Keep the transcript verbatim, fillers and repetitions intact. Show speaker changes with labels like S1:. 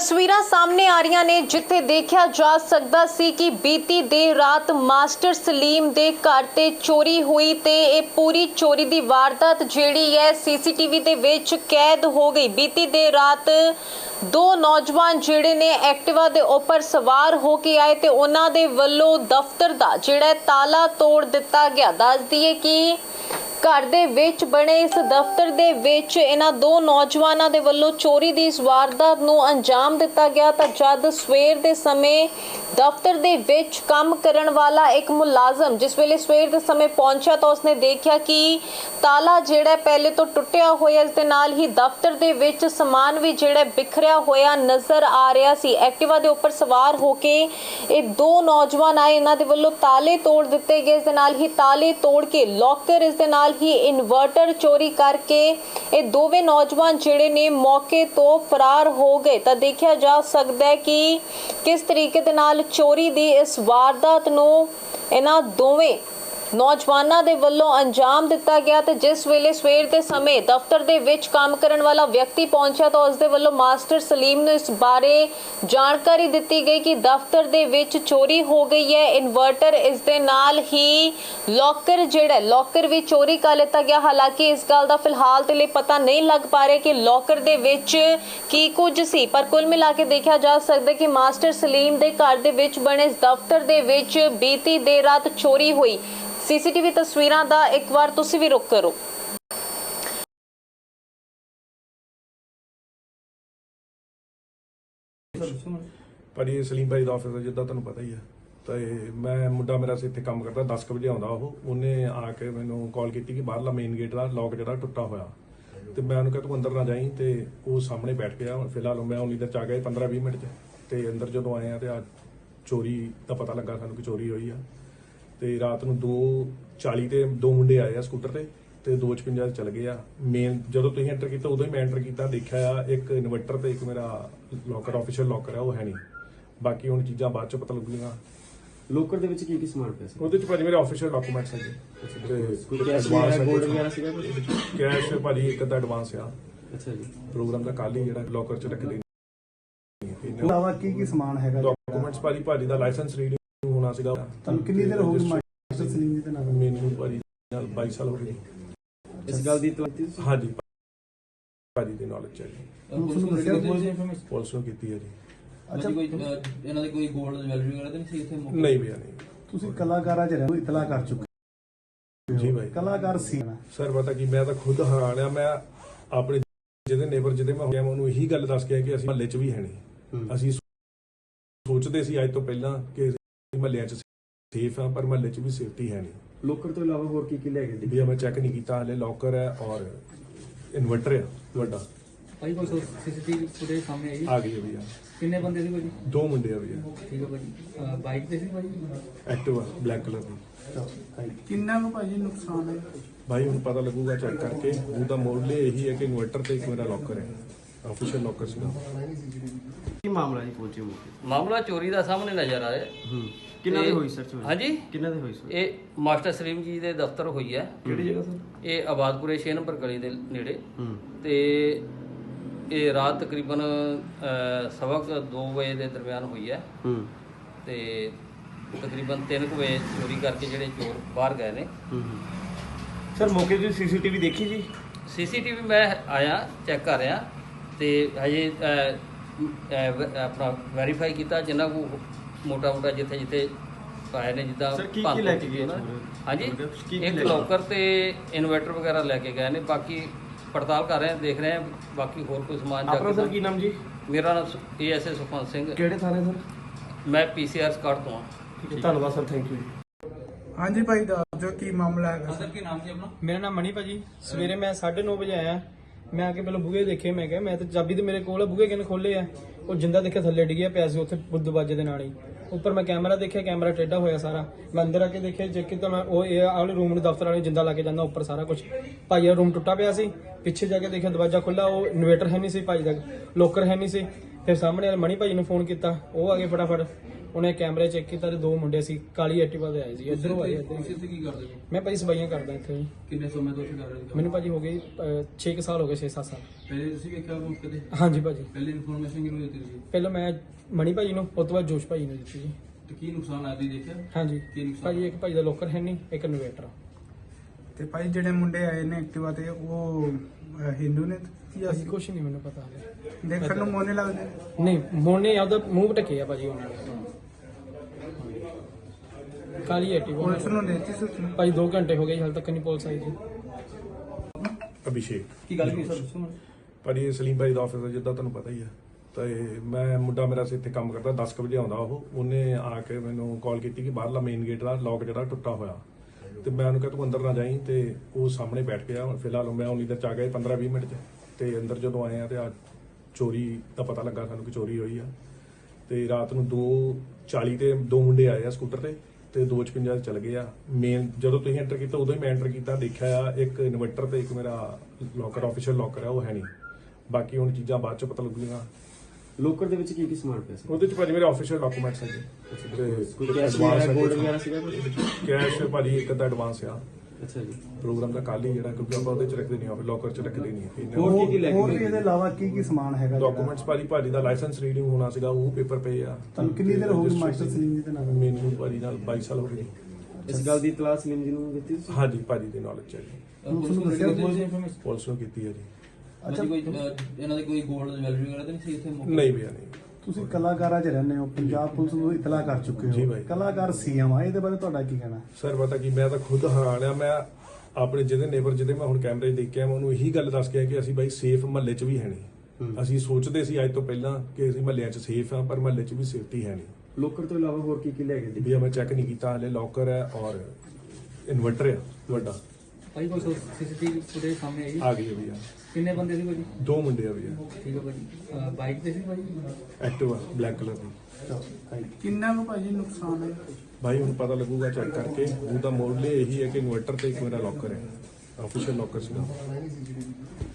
S1: ਤਸਵੀਰਾਂ ਸਾਹਮਣੇ ਆ ਰਹੀਆਂ ਨੇ ਜਿੱਥੇ ਦੇਖਿਆ ਜਾ ਸਕਦਾ ਸੀ ਕਿ ਬੀਤੀ ਦੇਰ ਰਾਤ ਮਾਸਟਰ ਸਲੀਮ ਦੇ ਘਰ ਤੇ ਚੋਰੀ ਹੋਈ ਤੇ ਇਹ ਪੂਰੀ ਚੋਰੀ ਦੀ ਵਾਰਦਾਤ ਜਿਹੜੀ ਹੈ ਸੀਸੀਟੀਵੀ ਦੇ ਵਿੱਚ ਕੈਦ ਹੋ ਗਈ। ਬੀਤੀ ਦੇਰ ਰਾਤ ਦੋ ਨੌਜਵਾਨ ਜਿਹੜੇ ਨੇ ਐਕਟਿਵਾ ਦੇ ਉੱਪਰ ਸਵਾਰ ਹੋ ਕੇ ਆਏ ਤੇ ਉਹਨਾਂ ਦੇ ਵੱਲੋਂ ਦਫ਼ਤਰ ਦਾ ਜਿਹੜਾ ਤਾਲਾ ਤੋੜ ਦਿੱਤਾ ਗਿਆ। ਦੱਸ ਦਈਏ ਕਿ घर दे विच बने इस दफ्तर दे विच इन्हां दो नौजवानों दे वल्लों चोरी दी इस वारदात नूं अंजाम दिता गया। तां जद सवेर दे समय दफ्तर दे विच काम करन वाला एक मुलाजम जिस वेले सवेर दे समय पहुंचा तो उसने देखा कि ताला जिहड़ा पहले तो टुटिया होया, इस दे नाल ही दफ्तर दे विच समान भी जिहड़ा बिखरिया होया नज़र आ रहा सी। एक्टिवा दे उपर सवार होके ये दो नौजवान आए, इन्हां दे वल्लों ताले तोड़ दिते गए। इस दे नाल ही ताले तोड़ के लॉकर, इस दे नाल ही इन्वर्टर चोरी करके ये दोवें नौजवान जिहड़े ने मौके तो फरार हो गए। तो देखा जा सकता है कि किस तरीके दे नाल चोरी दी इस वारदात नूं इन्हां दोवें नौजवानों के वल्लों अंजाम दिता गया। तो जिस वेले सवेर के समय दफ्तर दे विच काम करन वाला व्यक्ति पहुंचा तो उसके वल्लों मास्टर सलीम ने इस बारे जानकारी दी गई कि दफ्तर दे विच चोरी हो गई है। इन्वर्टर, इस दे नाल ही लॉकर जिहड़ा लॉकर भी चोरी कर लिता गया। हालांकि इस गल का फिलहाल ते लिए पता नहीं लग पा रहा कि लॉकर दे विच की कुछ सी, पर कुल मिला के देखा जा सकता कि मास्टर सलीम दे घर दे विच बने इस दफ्तर दे विच बीती देर रात चोरी हुई। सीसीटीवी तस्वीरां दा एक बार तुसी भी रुक करो।
S2: ਭਾਜੀ ਸਲੀਮ ਭਾਈ ਦਾ ਆਫਿਸ ਹੈ, ਜਿੱਦਾਂ ਤੁਹਾਨੂੰ ਪਤਾ ਹੀ ਹੈ। ਤੇ ਮੈਂ ਮੁੰਡਾ ਮੇਰਾ ਸੀ ਇੱਥੇ ਕੰਮ ਕਰਦਾ, ਦਸ ਕੁ ਵਜੇ ਆਉਂਦਾ ਉਹ। ਉਹਨੇ ਆ ਕੇ ਮੈਨੂੰ ਕਾਲ ਕੀਤੀ ਕਿ ਬਾਹਰਲਾ ਮੇਨ ਗੇਟ ਦਾ ਲੌਕ ਜਿਹੜਾ ਟੁੱਟਾ ਹੋਇਆ, ਤੇ ਮੈਂ ਉਹਨੂੰ ਕਿਹਾ ਤੂੰ ਅੰਦਰ ਨਾ ਜਾਈਂ। ਤੇ ਉਹ ਸਾਹਮਣੇ ਬੈਠ ਗਿਆ। ਫਿਲਹਾਲ ਮੈਂ ਉਨੀ ਦੇਰ ਚ ਆ ਗਿਆ ਪੰਦਰਾਂ ਵੀਹ ਮਿੰਟ ਚ। ਤੇ ਅੰਦਰ ਜਦੋਂ ਆਏ ਆ ਤੇ ਆ ਚੋਰੀ ਦਾ ਪਤਾ ਲੱਗਾ ਸਾਨੂੰ ਕਿ ਚੋਰੀ ਹੋਈ ਆ। ਤੇ ਰਾਤ ਨੂੰ ਦੋ ਚਾਲੀ ਤੇ ਦੋ ਮੁੰਡੇ ਆਏ ਆ ਸਕੂਟਰ ਤੇ ਤੇ ਦੋ ਛਪੰਜਾ ਚਲ ਗਏ ਆ। ਮੇਨ ਜਦੋਂ ਤੁਸੀਂ ਐਂਟਰ ਕੀਤਾ ਉਦੋਂ ਹੀ ਮੈਂ ਐਂਟਰ ਕੀਤਾ, ਦੇਖਿਆ ਆ ਇੱਕ ਇਨਵਰਟਰ ਤੇ ਇੱਕ ਮੇਰਾ ਲੋਕਰ ਆਫੀਸ਼ੀਅਲ ਲੋਕਰ ਆ ਉਹ ਹੈ ਨਹੀਂ। ਬਾਕੀ ਹੁਣ ਚੀਜ਼ਾਂ ਬਾਅਦ ਚ ਪਤਾ ਲੱਗੂਗੀਆਂ।
S3: ਲੋਕਰ ਦੇ ਵਿੱਚ ਕੀ ਕੀ ਸਮਾਨ ਪਿਆ ਸੀ?
S2: ਉਹਦੇ ਚ ਭਾਜੀ ਮੇਰੇ ਆਫੀਸ਼ੀਅਲ ਡਾਕੂਮੈਂਟਸ ਹੈਗੇ ਤੇ
S3: ਕੋਈ ਕੈਸ਼ ਵਗੈਰਾ ਗੋਲਡ ਵਗੈਰਾ ਸੀਗਾ ਕੁਝ?
S2: ਕੈਸ਼ ਭਾਜੀ ਇੱਕ ਅੱਧਾ ਐਡਵਾਂਸ ਆ।
S3: ਅੱਛਾ ਜੀ।
S2: ਪ੍ਰੋਗਰਾਮ ਦਾ ਕੱਲ ਹੀ ਜਿਹੜਾ ਲੋਕਰ ਚ ਰੱਖਦੇ
S4: ਇਲਾਵਾ ਕੀ ਕੀ ਸਮਾਨ ਹੈਗਾ?
S2: ਡਾਕੂਮੈਂਟਸ ਭਾਜੀ ਭਾਜੀ ਦਾ ਲਾਇਸੈਂਸ ਰੀਡਿੰਗ ਹੋਣਾ ਸੀਗਾ।
S4: ਤੁਹਾਨੂੰ ਕਿੰਨੀ ਦੇਰ ਹੋ ਗਈ ਮਾਸਟਰ ਸਲੀਮ ਜੀ ਦੇ ਨਾਲ?
S2: ਮੈਨੂੰ ਭਾਜੀ ਨਾਲ ਬਾਈ ਸਾਲ ਹੋ ਗਏ।
S3: ਇਸ ਗੱਲ ਦੀ ਤੁਹਾਡੀ
S2: ਹਾਂਜੀ ਭਾਜੀ ਦੀ ਨੌਲੇਜ ਹੈ ਜੀ।
S4: ਪੁਲਿਸ ਨੂੰ ਦੱਸਿਆ?
S2: ਪੁਲਿਸ ਨੂੰ ਕੀਤੀ ਹੈ ਜੀ।
S5: ਅੱਛਾ, ਕੋਈ ਇਹਨਾਂ ਦੇ ਕੋਈ ਗੋਲਡ ਜਵੈਲਰੀ ਵਗੈਰਾ ਤਾਂ ਨਹੀਂ ਸੀ ਇੱਥੇ?
S2: ਨਹੀਂ ਭਈਆ ਨਹੀਂ।
S4: ਤੁਸੀਂ ਕਲਾਕਾਰਾਂ ਚ ਰਹਿੰਦੇ, ਇਤਲਾ ਕਰ ਚੁੱਕੇ
S2: ਜੀ ਭਾਈ।
S4: ਕਲਾਕਾਰ ਸੀ
S2: ਸਰ ਪਤਾ ਕੀ, ਮੈਂ ਤਾਂ ਖੁਦ ਹੈਰਾਨ ਆ। ਮੈਂ ਆਪਣੇ ਜਿਹਦੇ ਨੇਬਰ ਜਿਹਦੇ ਮੈਂ ਹੋਇਆ ਮੈਂ ਉਹਨੂੰ ਇਹੀ ਗੱਲ ਦੱਸ ਕੇ ਆਇਆ ਕਿ ਅਸੀਂ ਮਹੱਲੇ 'ਚ ਵੀ ਹੈ ਨਹੀਂ। ਅਸੀਂ ਸੋਚਦੇ ਸੀ ਅੱਜ ਤੋਂ ਪਹਿਲਾਂ ਕਿ ਮਹੱਲਿਆਂ 'ਚ ਸੇਫ ਆ, ਪਰ ਮਹੱਲੇ 'ਚ ਵੀ ਸੇਫਟੀ ਹੈ ਨਹੀਂ।
S3: ਲੋਕਰ ਤੋਂ ਇਲਾਵਾ ਹੋਰ ਕੀ ਕੀ ਲੈ ਗਏ?
S2: ਭਈਆ ਮੈਂ ਚੈੱਕ ਨਹੀਂ ਕੀਤਾ ਹਲੇ। ਲੋਕਰ ਹੈ ਔਰ ਇਨਵਰਟਰ ਹੈ ਵੱਡਾ।
S5: ਭਾਈ ਕੋਈ ਸੀਸੀਟੀਵੀ ਫੁਟੇਜ ਸਾਹਮਣੇ ਆਈ?
S2: ਆ ਗਈ ਹੈ ਭਈਆ।
S5: ਕਿੰਨੇ ਬੰਦੇ ਸੀ ਭਾਜੀ?
S2: ਦੋ ਮੁੰਡੇ ਆ ਭਈਆ।
S5: ਠੀਕ ਹੈ ਭਾਜੀ। ਬਾਈਕ ਤੇ ਸੀ ਭਾਜੀ?
S2: ਐਕਟਿਵਾ ਬਲੈਕ ਕਲਰ ਦੀ।
S4: ਕਿੰਨਾ ਨੂੰ ਭਾਜੀ ਨੁਕਸਾਨ ਹੈ?
S2: ਭਾਈ ਹੁਣ ਪਤਾ ਲੱਗੂਗਾ ਚੈੱਕ ਕਰਕੇ। ਉਹਦਾ ਮੋਡਲ ਇਹੀ ਹੈ ਕਿ ਇਨਵਰਟਰ ਤੇ ਇੱਕ ਮੇਰਾ ਲੋਕਰ ਹੈ, ਆਫੀਸ਼ੀਅਲ ਲੋਕਰ ਸੀਗਾ।
S3: ਕੀ ਮਾਮਲਾ ਜੀ ਪਹੁੰਚੇ ਮੌਕੇ?
S6: ਮਾਮਲਾ ਚੋਰੀ ਦਾ ਸਾਹਮਣੇ ਨਜ਼ਰ ਆ ਰਿਹਾ।
S3: ਹੂੰ। ਕਿੰਨਾ ਦੇ ਹੋਈ ਸਰ ਚੋਰੀ?
S6: ਹਾਂਜੀ,
S3: ਕਿੰਨਾ ਦੇ ਹੋਈ ਸਰ?
S6: ਇਹ ਮਾਸਟਰ ਸਲੀਮ ਜੀ ਦੇ ਦਫ਼ਤਰ ਹੋਈ ਹੈ।
S3: ਕਿਹੜੀ ਜਗ੍ਹਾ ਸਰ?
S6: ਇਹ ਆਬਾਦਪੁਰੇ ਛੇ ਨੰਬਰ ਗਲੀ ਦੇ ਨੇੜੇ।
S3: ਹੂੰ।
S6: ਤੇ ਇਹ ਰਾਤ ਤਕਰੀਬਨ ਸਵਾ ਕੁ ਦੋ ਵਜੇ ਦੇ ਦਰਮਿਆਨ ਹੋਈ ਹੈ।
S3: ਹੂੰ।
S6: ਤੇ ਤਕਰੀਬਨ ਤਿੰਨ ਕੁ ਵਜੇ ਚੋਰੀ ਕਰਕੇ ਜਿਹੜੇ ਚੋਰ ਬਾਹਰ ਗਏ ਨੇ।
S3: ਹੂੰ। ਸਰ ਮੌਕੇ ਦੀ ਸੀਸੀਟੀਵੀ ਦੇਖੀ ਜੀ?
S6: ਸੀਸੀਟੀਵੀ ਮੈਂ ਆਇਆ ਚੈੱਕ ਕਰ ਰਿਹਾ ਤੇ ਹਜੇ ਅਹ, ਅਹ, ਆਪਣਾ ਵੈਰੀਫਾਈ ਕੀਤਾ ਜਿੰਨਾ ਕੋ ਮੋਟਾ ਮੋਟਾ ਜਿੱਥੇ ਜਿੱਥੇ ਪਾਏ ਨੇ ਜਿੱਦਾਂ
S3: ਸਰ ਕੀ ਕੀ ਲੈ ਕੇ ਗਏ?
S6: ਹਾਂਜੀ, ਇੱਕ ਲੋਕਰ ਤੇ ਇਨਵਰਟਰ ਵਗੈਰਾ ਲੈ ਕੇ ਗਏ ਨੇ। ਬਾਕੀ ਪੜਤਾਲ ਕਰ ਰਹੇ ਹਾਂ, ਦੇਖ ਰਹੇ ਹਾਂ ਬਾਕੀ ਹੋਰ ਕੋਈ ਸਮਾਨ।
S3: ਆਪਣਾ ਸਰ ਕੀ ਨਾਮ ਜੀ?
S6: ਮੇਰਾ ਨਾਮ A S A Sukhwant Singh.
S3: ਕਿਹੜੇ ਥਾਣੇ ਸਰ?
S6: ਮੈਂ ਪੀ ਸੀ ਆਰ ਸਕਾਟ ਤੋਂ ਹਾਂ।
S3: ਠੀਕ ਹੈ, ਧੰਨਵਾਦ ਸਰ, ਥੈਂਕ ਯੂ ਜੀ।
S4: ਹਾਂਜੀ ਭਾਈ ਦੱਸ ਦਿਓ ਕੀ ਮਾਮਲਾ ਹੈਗਾ?
S5: ਸਰ ਕੀ ਨਾਮ ਸੀ ਆਪਣਾ?
S7: ਮੇਰਾ ਨਾਮ ਮਣੀ ਭਾਜੀ। ਸਵੇਰੇ ਮੈਂ ਸਾਢੇ ਨੌ ਵਜੇ ਆਇਆ। ਮੈਂ ਆ ਕੇ ਪਹਿਲਾਂ ਬੂਹੇ ਦੇਖੇ। ਮੈਂ ਕਿਹਾ ਮੈਂ ਤਾਂ ਚਾਬੀ ਤੇ ਮੇਰੇ ਕੋਲ ਆ, ਬੂਹੇ ਕਿਨੇ ਖੋਲੇ ਆ? ਉਹ ਜਿੰਦਾ ਦੇਖਿਆ ਥੱਲੇ ਡਿੱਗਿਆ ਪਿਆ ਸੀ ਉੱਥੇ ਦਰਵਾਜ਼ੇ ਦੇ ਨਾਲ ਹੀ। ਉੱਪਰ ਮੈਂ ਕੈਮਰਾ ਦੇਖਿਆ, ਕੈਮਰਾ ਟੇਢਾ ਹੋਇਆ ਸਾਰਾ। ਮੈਂ ਅੰਦਰ ਆ ਕੇ ਦੇਖਿਆ, ਚੈੱਕ ਕੀਤਾ ਮੈਂ, ਉਹ ਇਹ ਆਲੇ ਰੂਮ ਨੂੰ ਦਫ਼ਤਰ ਵਾਲੇ ਜਿੰਦਾ ਲਾ ਕੇ ਜਾਂਦਾ ਉੱਪਰ ਸਾਰਾ ਕੁਝ। ਭਾਈ ਦਾ ਰੂਮ ਟੁੱਟਾ ਪਿਆ ਸੀ। ਪਿੱਛੇ ਜਾ ਕੇ ਦੇਖਿਆ ਦਰਵਾਜ਼ਾ ਖੁੱਲਾ, ਉਹ ਇਨਵੇਟਰ ਹੈ ਨਹੀਂ ਸੀ ਭਾਈ ਦਾ, ਲੋਕਰ ਹੈ ਨਹੀਂ ਸੀ। ਫਿਰ ਸਾਹਮਣੇ ਵਾਲੇ ਮਣੀ ਭਾਜੀ ਨੂੰ ਫੋਨ ਕੀਤਾ, ਉਹ ਆ ਗਏ ਫਟਾਫਟ। ਉਹਨੇ ਕੈਮਰੇ ਚੈੱਕ ਕੀਤਾ ਤੇ ਦੋ ਮੁੰਡੇ ਸੀ ਕਾਲੀ ਐਕਟਿਵਾ ਤੇ ਆਏ ਸੀ, ਇੱਧਰੋਂ ਆਏ ਇੱਧਰ।
S5: ਤੁਸੀਂ ਇੱਥੇ ਕੀ ਕਰਦੇ ਹੋ?
S7: ਮੈਂ ਭਾਜੀ ਸਫਾਈਆਂ ਕਰਦਾ ਇੱਥੇ ਜੀ।
S5: ਕਿੰਨੇ ਸਮੇਂ ਤੋਂ ਇੱਥੇ ਕਰ ਰਹੇ ਹੋ?
S7: ਮੈਨੂੰ ਭਾਜੀ ਹੋ ਗਏ ਛੇ ਕੁ ਸਾਲ ਹੋ ਗਏ, ਛੇ ਸੱਤ ਸਾਲ।
S5: ਪਹਿਲੇ ਤੁਸੀਂ ਵੇਖਿਆ ਮੌਕੇ ਤੇ?
S7: ਹਾਂਜੀ ਭਾਜੀ,
S5: ਪਹਿਲੇ ਇਨਫੋਰਮੇਸ਼ਨ ਕਿਹਨੂੰ ਦਿੱਤੀ ਤੁਸੀਂ?
S7: ਪਹਿਲਾਂ ਮੈਂ ਮਣੀ ਭਾਜੀ ਨੂੰ, ਉਸ ਤੋਂ ਬਾਅਦ ਜੋਸ਼ ਭਾਜੀ ਨੂੰ ਦਿੱਤੀ ਜੀ।
S5: ਤੇ ਕੀ ਨੁਕਸਾਨ ਆਦੀ ਦੇਖਿਆ?
S7: ਹਾਂਜੀ
S5: ਕੀ ਨੁਕਸਾਨ?
S7: ਭਾਜੀ, ਇੱਕ ਭਾਜੀ ਦਾ ਲੋਕਰ ਹੈ ਨਹੀਂ, ਇੱਕ ਇਨਵੇਟਰ।
S8: ਤੇ ਭਾਈ ਜਿਹੜੇ ਮੁੰਡੇ ਆਏ ਨੇ ਐਕਟਿਵਾ ਤੇ ਉਹ ਅਹ, ਹਿੰਦੂ ਨੇ ਜਾਂ
S7: ਭਾਜੀ ਕੁਛ ਨਹੀਂ ਮੈਨੂੰ ਪਤਾ ਹਾਲੇ।
S8: ਦੇਖਣ ਨੂੰ ਮੋਨੇ ਲੱਗਦੇ ਨੇ?
S7: ਨਹੀਂ, ਮੋਨੇ ਆਪਦਾ ਮੂੰਹ ਢੱਕੇ ਆ ਭਾਜੀ ਉਹਨਾਂ ਨੇ। ਕਾਲੀ ਐਕਟਿਵਾ
S8: ਪੁਲਿਸ ਨੂੰ ਦੇਤੀ ਸੂਚਨਾ?
S7: ਭਾਜੀ ਦੋ ਘੰਟੇ ਹੋ ਗਏ ਜੀ, ਹਾਲੇ ਤੱਕ ਨਹੀਂ ਪੁਲਿਸ ਆਈ ਜੀ।
S2: ਅਭਿਸ਼ੇਕ
S5: ਕੀ ਗੱਲ ਕੀ ਸਰ ਦੱਸੋ ਮੈਨੂੰ?
S2: ਭਾਜੀ ਸਲੀਮ ਭਾਈ ਦਾ ਆਫਿਸ ਹੈ ਜਿੱਦਾਂ ਤੁਹਾਨੂੰ ਪਤਾ ਹੀ ਆ। ਤੇ ਮੈਂ ਮੁੰਡਾ ਮੇਰਾ ਸੀ ਇੱਥੇ ਕੰਮ ਕਰਦਾ, ਦਸ ਕੁ ਵਜੇ ਆਉਂਦਾ ਉਹ। ਉਹਨੇ ਆ ਕੇ ਮੈਨੂੰ ਕਾਲ ਕੀਤੀ ਕਿ ਬਾਹਰਲਾ ਮੇਨ ਗੇਟ ਦਾ ਲੌਕ ਜਿਹੜਾ ਟੁੱਟਾ ਹੋਇਆ। ਤੇ ਮੈਂ ਉਹਨੂੰ ਕਿਹਾ ਤੂੰ ਅੰਦਰ ਨਾ ਜਾਈਂ, ਤੇ ਉਹ ਸਾਹਮਣੇ ਬੈਠ ਗਿਆ। ਫਿਲਹਾਲ ਮੈਂ ਉਨੀ ਦੇਰ ਚ ਆ ਗਿਆ ਪੰਦਰਾਂ ਵੀਹ ਮਿੰਟ ਚ। ਤੇ ਅੰਦਰ ਜਦੋਂ ਆਏ ਆ ਤੇ ਆ ਚੋਰੀ ਦਾ ਪਤਾ ਲੱਗਾ ਸਾਨੂੰ ਕਿ ਚੋਰੀ ਹੋਈ ਆ। ਤੇ ਰਾਤ ਨੂੰ ਦੋ ਚਾਲੀ ਤੇ ਦੋ ਮੁੰਡੇ ਆਏ ਆ ਸਕੂਟਰ ਤੇ ਤੇ ਦੋ ਛਪੰਜਾ ਚਲ ਗਏ ਆ। ਮੇਨ ਜਦੋਂ ਤੁਸੀਂ ਐਂਟਰ ਕੀਤਾ ਉਦੋਂ ਹੀ ਮੈਂ ਐਂਟਰ ਕੀਤਾ, ਦੇਖਿਆ ਆ ਇੱਕ ਇਨਵਰਟਰ ਤੇ ਇੱਕ ਮੇਰਾ ਲੋਕਰ ਆਫੀਸ਼ੀਅਲ ਲੋਕਰ ਆ, ਉਹ ਹੈ ਨਹੀਂ। ਬਾਕੀ ਹੁਣ ਚੀਜ਼ਾਂ ਬਾਅਦ ਚ ਪਤਾ ਲੱਗੂਗੀਆਂ।
S3: ਲੋਕਰ ਦੇ ਵਿੱਚ ਕੀ ਕੀ ਸਮਾਨ ਪਿਆ ਸੀ?
S2: ਉਹਦੇ ਚ ਭਾਜੀ ਮੇਰੇ ਆਫੀਸ਼ੀਅਲ ਡਾਕੂਮੈਂਟਸ ਹੈਗੇ
S3: ਕੋਈ
S2: ਤੇ
S3: ਕੈਸ਼
S2: advance
S3: ਵਗੈਰਾ, ਗੋਲਡ
S2: ਹੈਗੇ।
S3: ਵਗੈਰਾ ਸੀਗਾ ਕੁਝ?
S2: ਕੈਸ਼ ਭਾਜੀ ਇੱਕ ਅੱਧਾ ਐਡਵਾਂਸ ਆ
S3: ਅੱਛਾ ਜੀ।
S2: ਪ੍ਰੋਗਰਾਮ ਦਾ ਕੱਲ ਹੀ ਜਿਹੜਾ, ਕਿਉਂਕਿ ਆਪਾਂ ਉਹਦੇ ਚ ਰੱਖਦੇ ਨਹੀਂ ਆ, ਲੋਕਰ ਚ ਰੱਖਦੇ ਨਹੀਂ
S3: ਹੋਰ ਕੀ ਕੀ ਲੈ ਕੇ
S4: ਹੋਰ
S3: ਗਏ?
S4: ਵੀ ਇਹਦੇ ਇਲਾਵਾ ਕੀ ਕੀ ਸਮਾਨ ਹੈਗਾ ਜਿਹੜਾ?
S2: ਡਾਕੂਮੈਂਟਸ ਭਾਜੀ ਭਾਜੀ ਦਾ ਲਾਇਸੈਂਸ ਰੀਡਿੰਗ ਹੋਣਾ ਸੀਗਾ, ਉਹ ਪੇਪਰ ਪਏ ਆ।
S4: ਤੁਹਾਨੂੰ ਕਿੰਨੀ ਦੇਰ ਹੋ ਗਈ ਮਾਸਟਰ ਸਲੀਮ ਜੀ ਦੇ ਨਾਲ?
S2: ਮੈਨੂੰ ਭਾਜੀ ਨਾਲ ਬਾਈ ਸਾਲ ਹੋ ਗਏ।
S3: ਇਸ ਗੱਲ ਦੀ ਇਤਲਾਹ ਸਲੀਮ ਜੀ ਨੂੰ ਦਿੱਤੀ ਤੁਸੀਂ?
S2: ਹਾਂਜੀ ਭਾਜੀ ਦੀ ਨੌਲੇਜ ਹੈ ਜੀ,
S5: ਪੁਲਿਸ ਨੂੰ ਦੱਸਿਆ ਇਨਫੋਰਮੇਸ਼ਨ?
S2: ਪੁਲਿਸ ਨੂੰ ਕੀਤੀ ਹੈ ਜੀ।
S5: ਅੱਛਾ, ਕੋਈ ਅਹ, ਇਹਨਾਂ ਦੇ ਕੋਈ ਗੋਲਡ ਜਵੈਲਰੀ ਵਗੈਰਾ ਤਾਂ ਨਹੀਂ ਸੀ ਇੱਥੇ ਮੌਕੇ?
S2: ਨਹੀਂ ਭਈਆ ਨਹੀਂ।
S4: ਤੁਸੀਂ ਕਲਾਕਾਰਾਂ 'ਚ ਰਹਿੰਦੇ ਹੋ, ਪੰਜਾਬ ਪੁਲਿਸ ਨੂੰ ਇਤਲਾਹ ਕਰ ਚੁੱਕੇ
S2: ਜੀ
S4: ਹੋ,
S2: ਬਾਈ।
S4: ਕਲਾਕਾਰ ਸੀਐਮ ਆ, ਇਹਦੇ ਬਾਰੇ ਤੁਹਾਡਾ ਕੀ ਕਹਿਣਾ?
S2: ਸਰ ਪਤਾ ਕੀ, ਮੈਂ ਤਾਂ ਖੁਦ ਹੈਰਾਨ ਆ। ਮੈਂ ਆਪਣੇ ਜਿਹਦੇ ਨੇਬਰ ਜਿਹਦੇ ਮੈਂ ਹੁਣ ਕੈਮਰੇ 'ਚ ਦੇਖਿਆ, ਮੈਂ ਉਹਨੂੰ ਇਹੀ ਗੱਲ ਦੱਸ ਕੇ ਆਇਆ ਕਿ ਅਸੀਂ ਬਾਈ ਸੇਫ ਮਹੱਲੇ 'ਚ ਵੀ ਹੈ ਨਹੀਂ। ਅਸੀਂ ਸੋਚਦੇ ਸੀ ਅੱਜ ਤੋਂ ਪਹਿਲਾਂ ਕਿ ਅਸੀਂ ਮਹੱਲਿਆਂ 'ਚ ਸੇਫ ਆ, ਪਰ ਮਹੱਲੇ 'ਚ ਵੀ ਸੇਫਟੀ ਹੈ ਨਹੀਂ।
S3: ਲੋਕਰ ਤੋਂ ਇਲਾਵਾ ਹੋਰ ਕੀ ਕੀ ਲੈ ਗਏ?
S2: ਵੀ ਮੈਂ ਚੈੱਕ ਨਹੀਂ ਕੀਤਾ ਹਲੇ। ਲੋਕਰ ਹੈ ਔਰ ਇਨਵਰਟਰ ਆ ਵੱਡਾ,
S5: ਭਾਈ ਕੋਈ ਸੀਸੀਟੀਵੀ ਫੁਟੇਜ ਸਾਹਮਣੇ ਆਈ?
S2: ਆ ਗਈ ਹੈ ਭਈਆ।
S5: ਕਿੰਨੇ ਬੰਦੇ ਸੀ ਭਾਜੀ?
S2: ਦੋ ਮੁੰਡੇ ਆ ਭਈਆ,
S5: ਠੀਕ ਹੈ ਭਾਜੀ। ਬਾਈਕ ਤੇ ਸੀ ਭਾਜੀ?
S2: ਐਕਟਿਵਾ ਬਲੈਕ ਕਲਰ ਦੀ।
S8: ਕਿੰਨਾ ਕੁ ਭਾਜੀ ਨੁਕਸਾਨ ਹੈ?
S2: ਭਾਈ ਹੁਣ ਪਤਾ ਲੱਗੂਗਾ ਚੈੱਕ ਕਰਕੇ। ਉਹਦਾ ਮੋਡਲ ਇਹੀ ਹੈ ਕਿ ਇਨਵਰਟਰ ਤੇ ਇੱਕ ਮੇਰਾ ਲੋਕਰ ਹੈ, ਆਫੀਸ਼ੀਅਲ ਲੋਕਰ ਸੀਗਾ।